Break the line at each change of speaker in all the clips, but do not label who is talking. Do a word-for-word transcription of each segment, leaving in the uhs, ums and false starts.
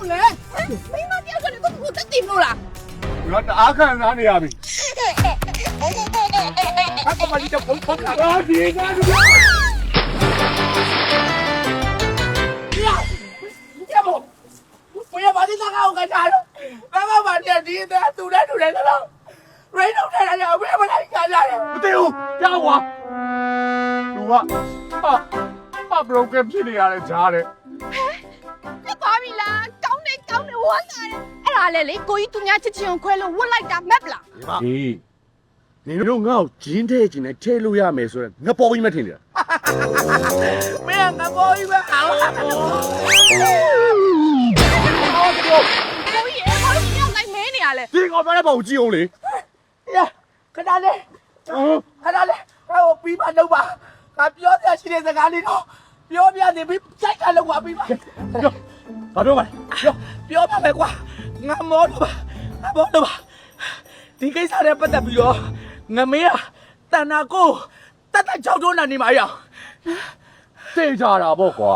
လဲမင်းမပြောဆိုတော့ကိုတက်တင်လို့လား
ငါတအားခံစားနေရပြီအကမကြီးတော့ပုံပုံလာဒီကနေ့ရဘောဘယ်မှာဒီစကားကိုကြားလို့ဘာမှမတည့်ဒီတဲ့သူနဲ့သူနဲ့တော့ရိတ်တော့ထဲလာဘယ်မှာလဲကြားရတယ်မသိဘူးကြောက်ွာလူကဟာဟာဘရိုကင်ဖြစ်နေရတယ်ကြားတယ်
ပြတ်သွားပြီလားကောင်းနေကောင်းနေဝမ်းသာတယ်အဲ့ဒါလေလေကိုကြီးသူများချစ်ချင်ခွဲလို့ဝတ်လိုက်တာမက်ပလား
ဒီနေတို့ငါ့ကိုဂျင်းထဲကျင်နဲ့ထဲလို့ရမယ်ဆိုတော့ငါပေါ်ပြီးမထင်နေတာ
မင်းကဘောကြီးပဲအောင်
ကိုကြီးအဲ့ဘာလို့ပြောင်းလိုက်မင်းနေရလဲ
ဒီကောင်ပြောတဲ့ပုံကြည့်အောင်လေ
ရခဏလေးခဏလေးဟိုပြီးမှလုပ်ပါငါပြောပြရှိတဲ့စကားလေးတော့ပြောပြနေပြီးစိုက်ကလောက်ပါပြီးပါ
ဘာပြောပါလဲ
ပြောပါမယ်ကွာငါမောတော့ပါငါမောတော့ပါဒီကိစ္စနဲ့ပတ်သက်ပြီးတော့ငမေးကတဏ္ဍာကိုတတ်တတ်ကြောက်တော့နေမှာရအောင်
သိကြတာပေါ့ကွာ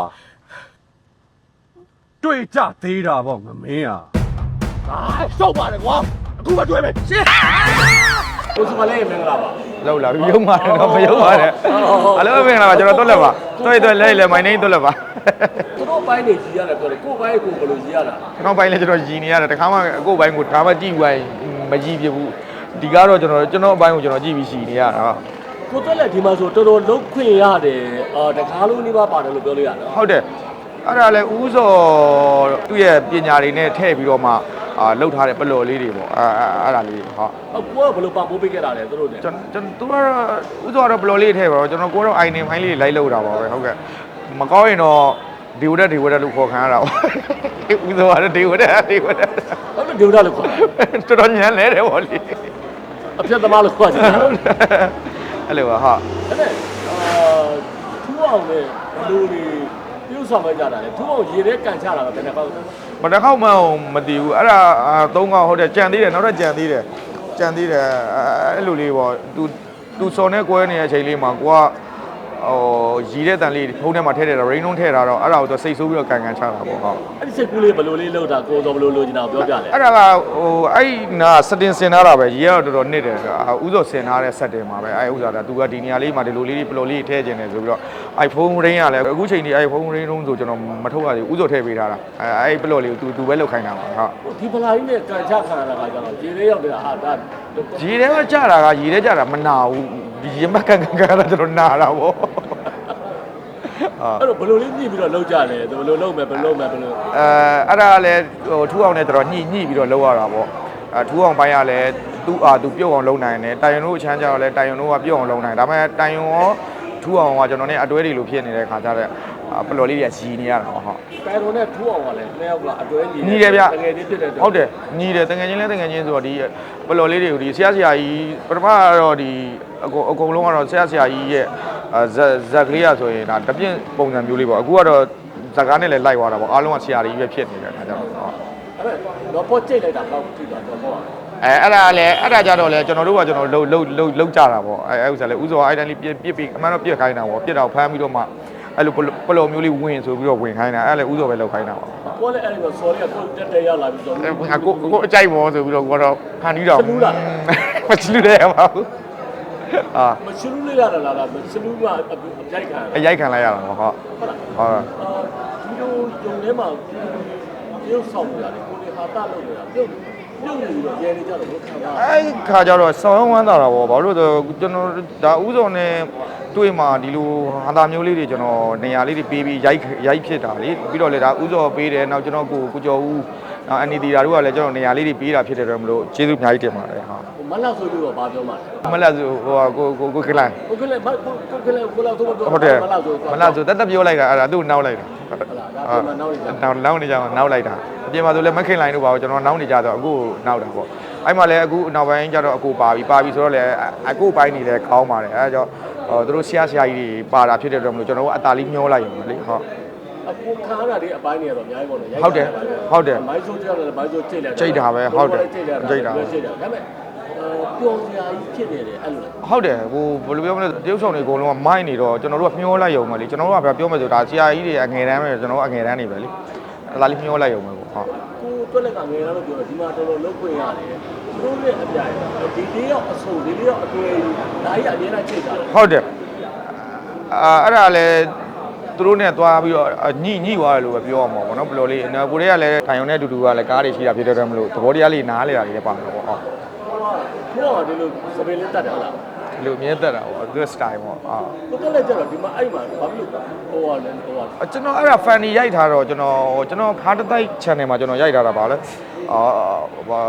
တွေ့ကြသေးတာပေါ့ငမင်းอ่ะအာရှောက်ပါတယ်ကွာအခုမှတွေ့မယ်ရှင်း
ကိုစမလေးမင်္ဂလာပါ
လောက်လာရုံပါတယ်တော့မရုံပါနဲ့အလုံးမင်္ဂလာပါကျွန်တော်တွက်လက်ပါတွက်တွက်လဲလဲမိုင်းနေတွက်လက်ပါ
သူတို့ဘိုင်းနေကြီးရတယ်ပြောတယ်ကိုဘိုင်းကိုဘယ်လိုကြီးရတာ
ကျွန်တော်ဘိုင်းလဲကျွန်တော်ရည်နေရတယ်တခါမှအခုဘိုင်းကိုဒါမှကြည့်ဝိုင်းမကြည့်ပြဘူးဒီကားတော့ကျွန်တော်ကျွန်တော်ဘိုင်းကိုကျွန်တော်ကြည့်ပြီးရှိနေရတာ
ကိုတက်လက်ဒီမှာဆိုတော်တော်လုံးခွင့်ရတယ်အာတကားလုံးလေးပါပါတယ်လို့ပြောလို့ရနော်
ဟုတ်တယ်အဲ့ဒါလဲဦးစောသူ့ရဲ့ပညာတွေနဲ့ထည့်ပြီးတော့မှအာလှုပ်ထားတဲ့ပလော်လေးတွေပေါ့အဲအဲ့ဒါလေးဟုတ်
အကိုကဘယ်လိုပံ့ပိုးပေးခဲ့တာလဲသူတို့နဲ့
ကျွန်တော်သူကတော့ဦးစောကတော့ဘလော်လေးထည့်ပါတော့ကျွန်တော်ကိုတော့အိုင်နေဖိုင်းလေးလိုက်လှုပ်တာပါပဲဟုတ်ကဲ့မကောင်းရင်တော့ဒီဝတက်ဒီဝတက်လို့ခေါ်ခံရတာပေါ့ဦးစောကတော့ဒီဝတက်ဒီဝတက်
ဟုတ်တယ်ဒေဝဒလို့ခေါ်
တော်တော်ညံလဲတယ်ဗောလေ
အပြတ်သမားလို့ခေါ်ကြတယ်အဲ့ဒါ
အဲ့လိုပါဟာ
နဲ့အာထူအောင်နဲ့ဘလူတွေပြုဆောင်ခဲ့ကြတာလေထူအောင်ရေထဲကန်ချတာပဲဘယ်နဲ့ပေါ့
မတစ်ခေါက်မှမတည်ဘူးအဲ့ဒါသုံးခေါက်ဟုတ်တယ်ကြံသေးတယ်နောက်တော့ကြံသေးတယ်ကြံသေးတယ်အဲ့လိုလေးပေါ့သူသူစော်နဲ့ကွဲနေတဲ့အချိန်လေးမှာကိုကဟိုရီတဲ့တန်လေးဖုန်းထဲမှာထည့်တယ်တော့ rain လုံးထည့်တာတော့အဲ့ဒါကိုသူစိတ်ဆိုးပြီးတော့ကန်ကန်ချတာပေါ့ဟုတ်
အဲ့ဒီစိတ်ကူးလေးဘလူလေးလောက်တာကိုစောဘလူလိုချင်တာပြောပြလေ
အဲ့ဒါကဟိုအဲ့နာစတင်စင်ထားတာပဲရေကတော့တော်တော်နစ်တယ်ဆိုတာဥစောစင်ထားတဲ့ဆက်တင်မှာပဲအဲ့ဥစားတာသူကဒီနေရာလေးမှာဒီလိုလေးပလော်လေးထည့်ခြင်းတယ်ဆိုပြီးတော့ iPhone rain ကလည်းအခုချိန်ဒီ iPhone rain လုံးဆိုကျွန်တော်မထုတ်ရသေးဘူးဥစောထည့်ပေးထားတာအဲ့အဲ့ပလော်လေးကိုသူသူပဲလောက်ခိုင်းတာပါဟုတ်
ဒီဖလာကြီးနဲ့ကန်ချခံရတာကကျတော့ရေထဲရောက်နေတာဟာဒါ
ရေထဲမှာကြာတာကရေထဲကြာတာမနာဘူးဒီရေမကန်ကန်ကန်တာကျွန်တော်နာတာပေါ့
အဲ့တော့ဘလူလေးညှိပြီးတော့လောက်ကြတယ်ဘလူလုံးမယ်ဘလူလုံးမယ်ဘလူ
အဲအဲ့ဒါကလည်းဟိုထူအောင်နဲ့တော်တော်ညှိညှိပြီးတော့လောက်ရတာပေါ့အဲထူအောင်ပိုင်းကလည်းသူ့အာသူပြုတ်အောင်လုပ်နိုင်တယ်တိုင်ယွန်တို့အချမ်းကြတော့လည်းတိုင်ယွန်တို့ကပြုတ်အောင်လုပ်နိုင်ဒါပေမဲ့တိုင်ယွန်ရောထူအောင်ကကျွန်တော်နဲ့အတွဲတွေလိုဖြစ်နေတဲ့ခါကျတော့ပလော်လေးတွေကကြီးနေရတာပေါ့ဟုတ်
တိုင်တော်နဲ့ထူအောင်ကလည်းနှစ်ယောက်ကအတွဲညီ
ညီတယ်ဗျ
တကယ်ချင်းဖြစ်တဲ့
ဟုတ်တယ်ညီတယ်တကယ်ချင်းလဲတကယ်ချင်းဆိုတော့ဒီပလော်လေးတွေကိုဒီဆရာဆရာကြီးပထမကတော့ဒီအကုန်အကုန်လုံးကတော့ဆရာဆရာကြီးရဲ့ဇက်ဇက်ကလေးရဆိုရင်ဒါတပြင်းပုံစံမျိုးလေးပေါ့အခုကတော့ဇက်ကားနဲ့လည်းလိုက်သွားတာပေါ့အားလုံးကဆရာကြီးပဲဖြစ်နေတဲ့ခါကျတော့ဟုတ်
အဲ့တော့တော့ကြိတ်လိုက်တာတော့ကြည့်တာတော့ပေါ့
အဲအဲ့ဒါလည်းအဲ့ဒါကြတော့လေကျွန်တော်တို့ကကျွန်တော်လှုပ်လှုပ်လှုပ်လှုပ်ကြတာပေါ့အဲအဲ့ဥစ္စာလေဥစောအဲ့တိုင်းလေးပြစ်ပြစ်ပြီးအမှန်တော့ပြစ်ခိုင်းတာပေါ့ပြစ်တော့ဖမ်းပြီးတော့မှအဲ့လိုပလော်မျိုးလေးဝင်ဆိုပြီးတော့ဝင်ခိုင်းတာအဲ့လည်းဥစောပဲလှုပ်ခိုင်းတာပေါ့
ကိုလည်းအဲ့ဒီတော့ sorry ကိုတက်တက်ရောက်လာပြီးတော့
အဲကိုကိုအကြိုက်ပေါ့ဆိုပြီးတော့ကိုတော့ဖန်ပြီးတော့မချလူတယ်ပါဘူးအာ
မရှလူလေးရတာလားမရှလူကအကြိုက်ခံ
အရိုက်ခံလိုက်ရတာပေါ့ဟုတ်
ဟုတ်လား
ဟုတ်
အာဒီလိုဂျုံထဲမှာပြုတ်ဆောင်နေတာလေကိုလေဟာတာလုပ်နေတာပြုတ်ပြုတ်နေပြီးတော့ရဲနေကြတော့ဘယ်ခံတာ
အဲ့ခါကျတော့ဆောင်းဝမ်းသာတာပေါ့ဘာလို့လဲကျွန်တော်ဒါဥစောနဲ့တွေ့မှာဒီလိုဟာတာမျိုးလေးတွေကျွန်တော်နေရာလေးတွေပေးပြီးရိုက်ရိုက်ဖြစ်တာလေပြီးတော့လေဒါဥစောပေးတယ်နောက်ကျွန်တော်ကိုကိုကျော်ဦးအန်နီတီတာတို့ကလည်းကျွန်တော်နေရာလေးတွေပေးတာဖြစ်တယ်တော့မလို့ကျေးဇူးအများကြီးတင်ပါတယ်ဟာ
မလောက်ဆိုပြီးတော့ဘာပြောမှာလဲ
မလားဆိုဟိုကိုကိုကိုကလန်
ကိုကလည်းကိုကလည်းကိုလောက်တော့
ဟုတ်တယ်
မလောက်ဆို
မလားဆိုတက်တက်ပြောလိုက်တာအဲ့ဒါသူ့နောက်လိုက်တာ
ဟုတ်လားဒါပြန်မနောက်နေကြ
နောက်နောက်နေကြမှာနောက်လိုက်တာအပြင်မှာဆိုလည်းမခင်လိုင်းတို့ပါဘူးကျွန်တော်နောက်နေကြတော့အခုနောက်တာပေါ့အဲ့မှာလည်းအခုနောက်ပိုင်းကျတော့အခုပါပြီပါပြီဆိုတော့လည်းအခုပိုင်းနေလည်းကောင်းပါတယ်အဲ့ဒါကြောင့်ဟိုတို့ဆရာဆရာကြီးတွေပါတာဖြစ်တဲ့အတွက်မလို့ကျွန်တော်ကအတာလေးမျောလိုက်ရုံပဲလေဟုတ်
အခုခါရတာဒီအပိုင်းနေတော့အများကြီးပေါ့နော်
ဟုတ်တယ်ဟုတ်တယ်
မိုင်းဆိုးကြတယ်မိုင်းဆိုးချိန်တယ်
ချိန်တာပဲဟုတ်တယ်ချိန်တာ
ချိန်တာဒါပေမဲ့ပျော်စရာကြီးဖြစ်နေတယ်အဲ့လိုလေ
ဟုတ်တယ်ဟိုဘယ်လိုပြောမလဲတရုပ်ဆောင်တွေအကုန်လုံးကမိုင်းနေတော့ကျွန်တော်တို့ကမျောလိုက်ရုံပဲလေကျွန်တော်တို့ကပြောမယ်ဆိုဒါဆရာကြီးတွေအငယ်တန်းပဲကျွန်တော်တို့အငယ်တန်းနေပဲလေဒါလေးမျောလိုက်ရုံပဲပေါ့ဟုတ်
ကိုတွက်လက်ကငယ်လာလို့ပြောတော့ဒီမှာတော်တော်လုံးခွင့်ရတယ်သူတို့နဲ့အပြိုင်ဒီလေးရောက်အဆုံဒီလေးရောက်အတွေ့ဒါကြီးအမြဲတမ်းချိန်တာ
ဟုတ်တယ်အာအဲ့ဒါလည်းသူတို့နဲ့သွားပြီးတော့ညှိညှိသွားတယ်လို့ပဲပြောရမှာပေါ့နော်ဘယ်လိုလေးကိုတွေကလည်းထိုင်ုံနဲ့အတူတူကလည်းကားတွေရှိတာဖြစ်တဲ့အတွက်မလို့သဘောတရားလေးနားလေတာတွေလည်းပါမှာပေါ့ဟုတ်
ဟုတ်ဒီလိုစပယ်လေးတတ်တယ်ဟုတ်လား
ဒီလိုအမြဲတက်တာပေါ့သူ style ပေါ့အာ
ကိုတွက်လက်ကြတော့ဒီမှာအဲ့မှာဘာဖြစ်လို့ဟိုဟာလဲဟိုဟာ
ကျွန်တော်အဲ့ဒါ funny ရိုက်ထားတော့ကျွန်တော်ကျွန်တော်ခါတတိုက် channel မှာကျွန်တော်ရိုက်ထားတာပါလဲအာဘာ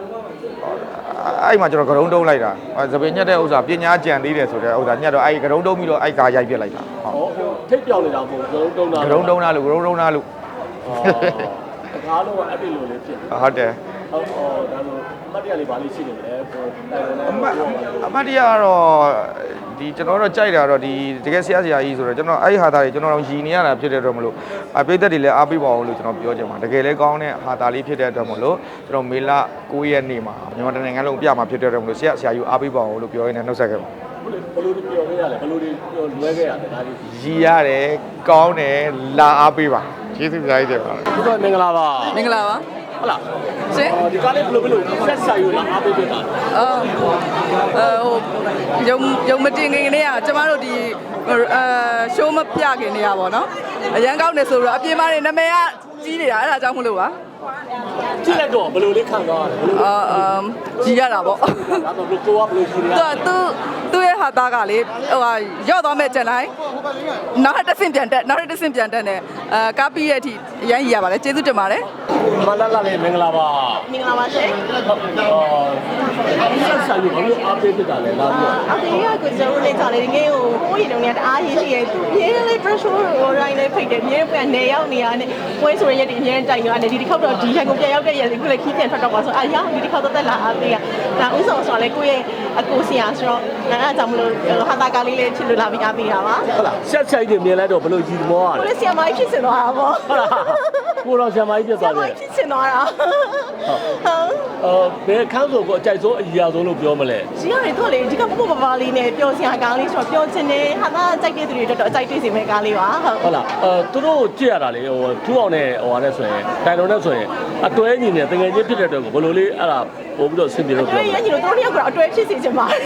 အဲ့မှာကျွန်တော်ဂရုံးတုံးလိုက်တာသပင်ညက်တဲ့ဥစ္စာပညာကြံသေးတယ်ဆိုတဲ့ဥစ္စာညက်တော့အဲ့ဂရုံးတုံးပြီးတော့အဲ့ကားရိုက်ပြစ်လိုက်တာဟုတ်
ဟောထိတ်ပြောင်းနေတာမဟုတ်ဂရုံးတုံးတာ
ဂရုံးတုံးလားလို့ဂရုံးတုံးလားလို့
တကားလုံးကအဲ့ဒီလိုလေးဖြစ်
ဟုတ်တယ်
ဟုတ်ဟောဒါလို့အမတ်တရားလေးပါလေးရှိနေတယ်ဟိုတိုင်တယ်
အမတ်အမတ်တရားကတော့ဒီကျွန်တော်တို့ကြိုက်တာတော့ဒီတကယ်ဆရာဆရာကြီးဆိုတော့ကျွန်တော်အဲ့ဒီဟာသားတွေကျွန်တော်တို့ရည်နေရတာဖြစ်တဲ့အတွက်မလို့အပိသက်တွေလည်းအားပေးပါအောင်လို့ကျွန်တော်ပြောချင်ပါတကယ်လည်းကောင်းတဲ့ဟာသားလေးဖြစ်တဲ့အတွက်မလို့ကျွန်တော်မေလ၉ရက်နေ့မှာမြန်မာနိုင်ငံလုံးပြမှာဖြစ်တဲ့အတွက်မလို့ဆရာဆရာကြီးအားပေးပါအောင်လို့ပြောရင်းနဲ့နှုတ်ဆက်ခဲ့ပါ
ဘယ်လိုပြောခဲ့ရလဲဘယ်လိုပြောလွဲခဲ့ရလဲဒါလေး
ရည်ရတယ်ကောင်းတယ်လာအားပေးပါကျေးဇူးများကြီးတင်ပါတယ်
ဒီတော့မင်္ဂလာပါ
မင်္ဂလာပါ
ဟုတ်လား
ရှင်
ဒီကားလေးဘယ်လိုဘယ်လိုဆက်ဆံယူလာအားပေးပေးတာ
အော်အဲဟိုယုံယုံမတင်ခင်ကနေကကျမတို့ဒီအဲရှိုးမပြခင်နေရပါတော့အရန်ကောင်းတယ်ဆိုတော့အပြင်မှာနေနာမည်ကကြီးနေတာအဲ့ဒါကြောင့်မလို့ပါ
ကြည့်လိုက်တော့ဘယ်လိုလေးခံသွားရလဲဘယ်လို
အာအမ်ကြီးရတာပေါ့
ဒါတော့ဘယ်လိုကိုကဘယ်လိုရှိနေရ
သူသူသူ့ရဲ့ဟာသားကလေဟိုဟာရော့သွားမဲ့ကြံတိုင်းနောက်တစ်ဆင့်ပြန်တက်နောက်တစ်ဆင့်ပြန်တက်နေအဲကားပြီးရဲ့အထိအရန်ကြီးရပါတယ်ကျေးဇူးတင်ပါတယ်
မလာလာလေးမင်္ဂလာပါ
မင်္ဂလာပါရှင်
အော်ဆက်ဆံယူဘယ်လိုအားပေးပေးတာလဲလာပြီး
အဖေကကိုကျွန်တော်လေးစားလေးငယ်ကိုကိုရင်တုန်းကတအားရေးရှိရဲ့သူပြင်းလေး pressure ကိုရိုင်းလေးဖိတ်တယ်ပြင်းပြန်နေရောက်နေရတယ်ပွဲဆိုရရက်ဒီအများတိုင်ရတယ်ဒီတစ်ခေါက်တော့ဒီဟန်ကိုပြန်ရောက်တဲ့ရက်ဒီခုလည်းခီးပြန်ထွက်တော့ပါဆိုအာရဒီတစ်ခေါက်တော့တက်လာအားပေးရဒါဥဆောင်ဆိုလဲကိုရဲ့အကိုဆရာဆိုတော့အဲ့ဒါကြောင့်မလို့ဟာတာကားလေးလေးချစ်လို့လာပြီးအားပေးတာပါ
ဟုတ်လားဆက်ဆိုင်တွေမြင်လိုက်တော့ဘယ်လိုကြည်မောရ
ကို
လဲ
လည်းဆရာမကြီးဖြစ်စင်သွားတာပေါ့
ဟုတ်လားကိုတော့ဆရာမကြီးပြတ်
ဆရာ
သွား
မ
တယ်
ကြီးဖြစ်စင်သွားတာဟုတ်
အော်ဘယ်ခန်းဆိုကိုအကြိုက်ဆုံးအကြီးအဆုံးလို့ပြောမလဲ
ကြီးရတယ်တော့လေဒီကပပပပလေးနဲ့ပျော်စရာကားလေးဆိုတော့ပျော်ချင်တယ်ဟာတာကြိုက်တဲ့သူတွေတော့အကြိုက်တွေ့စီမဲ့ကားလေးပါဟုတ်
ဟုတ်လားအဲသူတို့ကြည့်ရတာလေဟိုထူအောင်နဲ့ဟိုဟာနဲ့ဆိုရင်တိုင်တော်နဲ့ဆိုရင်အတွဲညီနဲ့တကယ်ချင်းဖြစ်တဲ့အတွက်ကိုဘယ်လိုလေးအဲ့ဒါပို့ပြီးတော့ဆင်ပြေလို့
အတွဲ
ပြော
ရညီတို့တို့နှစ်ယောက်ကတော့အတွဲဖြစ်စီချင်ပါတယ်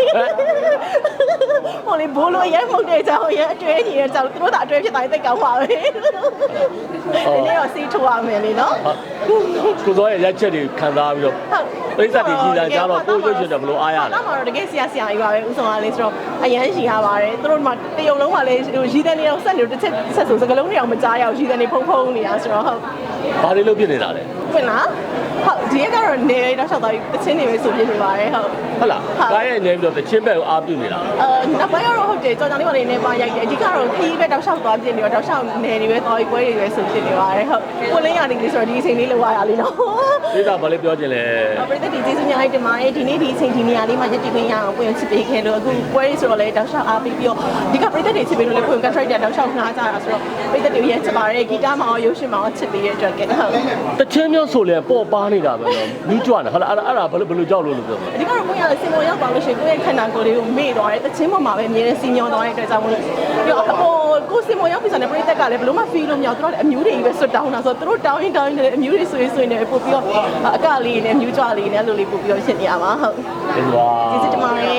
ဟိုလေဘိုးလိုရဲမှုတ်တဲ့ကြောင်ရဲအတွဲညီရဲ့ကြောင်တို့ကအတွဲဖြစ်တိုင်းသိကောင်းပါပဲဒီနေ့တော့စီးထိုးရမယ်လေနော်
ကိုစောရဲ့ရက်ချက်တွေခံစားပြီးတော့ပိဿတ်တွေကြီးလာကြတော့ကိုရွှေ့ရွှေ့တော့ဘယ်လိုအားရလဲ
တော့မှာတော့တကယ်ဆရာဆရာကြီးပါပဲဥဆောင်ကလေးဆိုတော့အရန်ရှိရပါတယ်သူတို့မှတရုံလုံးကလည်းဟိုရီးတဲ့နေတော့ဆက်နေတစ်ချက်ဆက်ဆိုစကလုံးတွေအောင်မကြားရအောင်ရီးတဲ့နေဖုံဖုံနေတာဆိုတော့ဟုတ်
ဘာတွေလုပ်ဖြစ်နေတာလဲ
ဖွင့်လားဟုတ်ဒီရက်ကတော့နေတော့ရှောက်သွားပြီးတချင်းနေပဲဆိုပြနေပါတယ်ဟုတ်
ဟုတ်လားကားရဲ့နေပြီးတော့တချင်းဘက်ကိုအားပြုနေတာ
အဲနောက်ပိုင်းကတော့ဟုတ်တယ်ကြောင်ကြောင်လေးပါလေးနဲ့ပါရိုက်တယ်အဓိကတော့ခီးပဲတောက်လျှောက်သွားပြနေတော့တောက်လျှောက်နေနေပဲသွားပြီးပွဲတွေပဲဆိုဖြစ်နေပါတယ်ဟုတ်ကိုလင်းရနေပြီဆိုတော့ဒီအချိန်လေးလောက်ရတာလေးနော်
ပိဿတ်ဘာလေးပြောချင်လဲ
ပရိသတ်ဒီကျေးဇူးများလိုက်တင်ပါတယ်ဒီနေ့ဒီအချိန်ဒီနေရာလေးမှာရက်တည်ခွင့်ရအောင်ပွင့်ချစ်ပေးခဲ့လို့အခုပွဲတွေဆိုတော့လည်းတောက်လျှောက်အားပေးပြီးတော့ဒီကပရိသတ်တွေချစ်ပေးလို့လည်းပွင့် contract တောက်လျှောက်နှားကြတာဆိုတော့ပရိသတ်တွေရချစ်ပါတယ်ဂီတမှာရောရုပ်ရှင်မှာရောချစ်ပေးတဲ့အတွက်ကဟုတ်
တချင်းမျိုးဆိုလဲပေါ့ပါနေတာပဲနော်မြူးကြွတယ်ဟုတ်လားအဲ့ဒါအဲ့ဒါဘယ်လိုဘယ်လိုကြောက်လို့လို့ပြောမှာ
အဓိကတော့ကိုရစင်ပေါ်ရောက်ပါလို့ရှိရင်ကိုယ့်ရဲ့ခန္ဓာကိုယ်လေးကိုမေ့သွားတယ်တချင်းပေါ်မှာပဲအမြဲတမ်းစီညောသွားတဲ့အတွက်ကြောင့်မလို့ပြီးတော့အပေါ်ကိုစင်ပေါ်ရောက်ပြီဆိုတော့ပရိသတ်ကလည်းဘယ်လို့မှ feel လို့မရဘူးသူတို့လည်းအမျိုးတွေကြီးပဲဆွတ်တောင်းတာဆိုတော့သူတို့တောင်းရင်တောင်းရင်လည်းအမျိုးတွေဆွေးဆွေးနေပို့ပြီးတော့အကလေးနဲ့မြူးကြွလေးနဲ့အဲ့လိုလေးပို့ပြီးတော့ရှင်းနေရပါဟုတ်
ဟုတ်ပါ
ကျေးဇူးတင်ပါတယ်